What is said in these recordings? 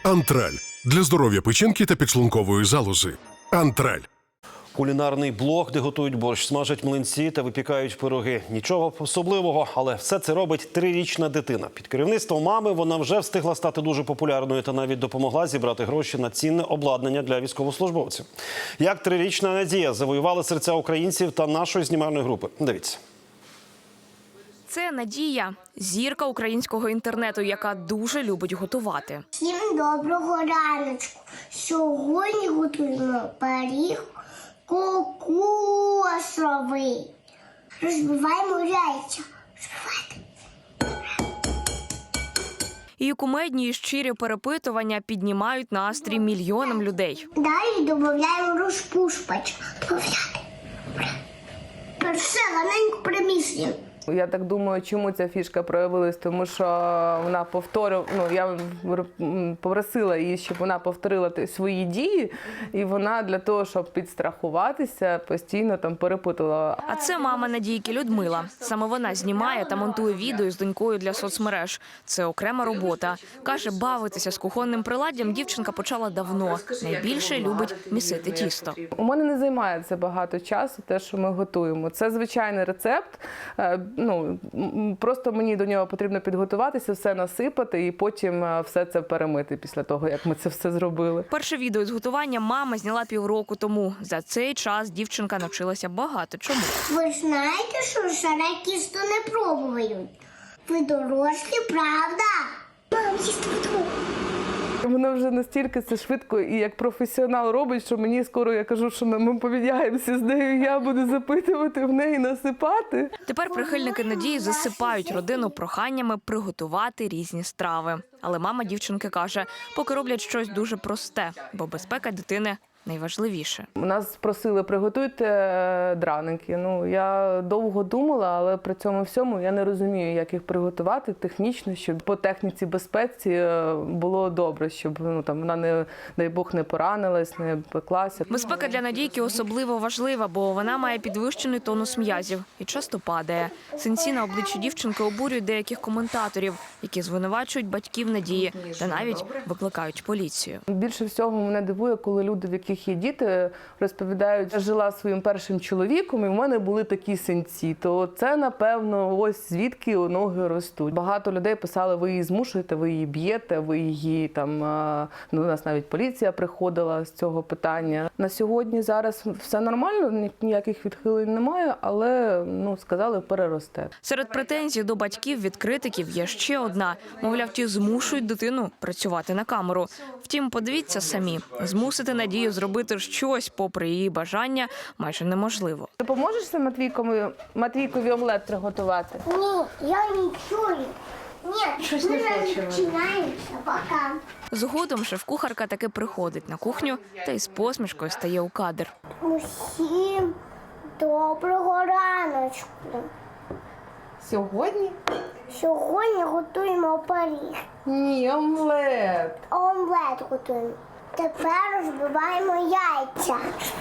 Антраль. Для здоров'я печінки та підшлункової залози. Антраль. Кулінарний блог, де готують борщ, смажать млинці та випікають пироги. Нічого особливого, але все це робить 3-річна дитина. Під керівництвом мами вона вже встигла стати дуже популярною та навіть допомогла зібрати гроші на цінне обладнання для військовослужбовців. Як 3-річна Надія завоювала серця українців та нашої знімальної групи. Дивіться. Це Надія – зірка українського інтернету, яка дуже любить готувати. Всім доброго раночку. Сьогодні готуємо пиріг кокосовий. Розбиваємо яйця. Її кумедні і щирі перепитування піднімають настрій мільйонам людей. Далі додаємо розпушувач. Все, раненько приміщення. Я так думаю, чому ця фішка проявилась, тому що вона я попросила її, щоб вона повторила свої дії, і вона для того, щоб підстрахуватися, постійно там перепитувала. А це мама Надійки Людмила. Саме вона знімає та монтує відео з донькою для соцмереж. Це окрема робота. Каже, бавитися з кухонним приладдям дівчинка почала давно. Найбільше любить місити тісто. У мене не займає це багато часу, те, що ми готуємо. Це звичайний рецепт. Просто мені до нього потрібно підготуватися, все насипати і потім все це перемити після того, як ми це все зробили. Перше відео з готування мама зняла півроку тому. За цей час дівчинка навчилася багато чому. Ви ж знаєте, що шаре тісто не пробують? Ви дорослі, правда? Мам, їсти буду. Вона вже настільки це швидко і як професіонал робить, що мені скоро, я кажу, що ми поміняємося з нею, я буду запитувати в неї, насипати. Тепер прихильники Надії засипають родину проханнями приготувати різні страви. Але мама дівчинки каже, поки роблять щось дуже просте, бо безпека дитини найважливіше. Нас просили, приготуйте драники. Я довго думала, але при цьому всьому я не розумію, як їх приготувати технічно, щоб по техніці безпеці було добре, щоб вона, не, дай Бог, не поранилась, не пеклася. Безпека для Надійки особливо важлива, бо вона має підвищений тонус м'язів і часто падає. Синці на обличчі дівчинки обурюють деяких коментаторів, які звинувачують батьків Надії та навіть викликають поліцію. Більше всього мене дивує, коли люди, в яких є діти, розповідають, я жила зі своїм першим чоловіком і в мене були такі синці. То це, напевно, ось звідки ноги ростуть. Багато людей писали, ви її змушуєте, ви її б'єте, ви її там, до нас навіть поліція приходила з цього питання. На сьогодні зараз все нормально, ніяких відхилень немає, але, сказали, переросте. Серед претензій до батьків від критиків є ще одна. Мовляв, ті змушують дитину працювати на камеру. Втім, подивіться самі, змусити Надію зробити щось, попри її бажання, майже неможливо. Допоможеш Матвійкові омлет приготувати? Ні, я не чую. Ні, ми починаємося, пока. Згодом шеф-кухарка таки приходить на кухню та із посмішкою стає у кадр. Усім доброго раночку. Сьогодні? Сьогодні готуємо пиріг. Ні, омлет. Омлет готуємо. Тепер розбиваємо яйця.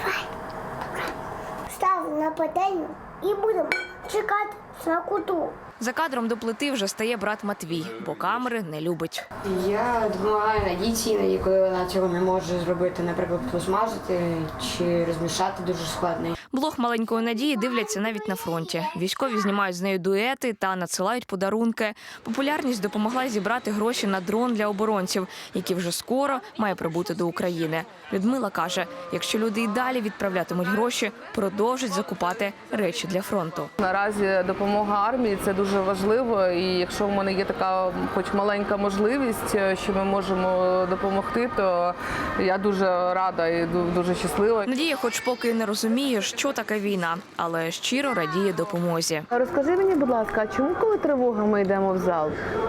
Ставимо на пательню і будемо чекати смакоту. За кадром до плити вже стає брат Матвій, бо камери не любить. Я допомагаю Надійці, іноді, коли вона цього не може зробити, наприклад, посмажити чи розмішати дуже складно. Блог маленької Надії дивляться навіть на фронті. Військові знімають з нею дуети та надсилають подарунки. Популярність допомогла зібрати гроші на дрон для оборонців, який вже скоро має прибути до України. Людмила каже, якщо люди і далі відправлятимуть гроші, продовжать закупати речі для фронту. Наразі допомога армії – це дуже важливо, і якщо в мене є така хоч маленька можливість, що ми можемо допомогти, то я дуже рада і дуже щаслива. Надія хоч поки не розуміє, що таке війна, але щиро радіє допомозі. Розкажи мені, будь ласка, а чому, коли тривога, ми йдемо в зал?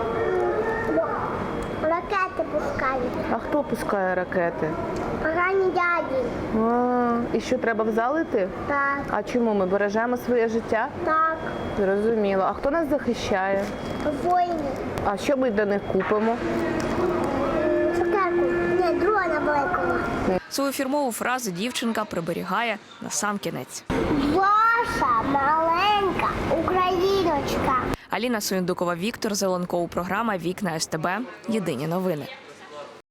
Ракети пускають. А хто пускає ракети? Погані дяді. І що, треба в зал йти? Так, А чому? Ми бережемо своє життя? так. Зрозуміло. А хто нас захищає? Воїни. А що ми для них купимо? Цукерку. Ні, дрона великого. Свою фірмову фразу дівчинка приберігає на сам кінець. Ваша маленька україночка. Аліна Суєндукова, Віктор Зеленков. Програма «Вікна СТБ». Єдині новини.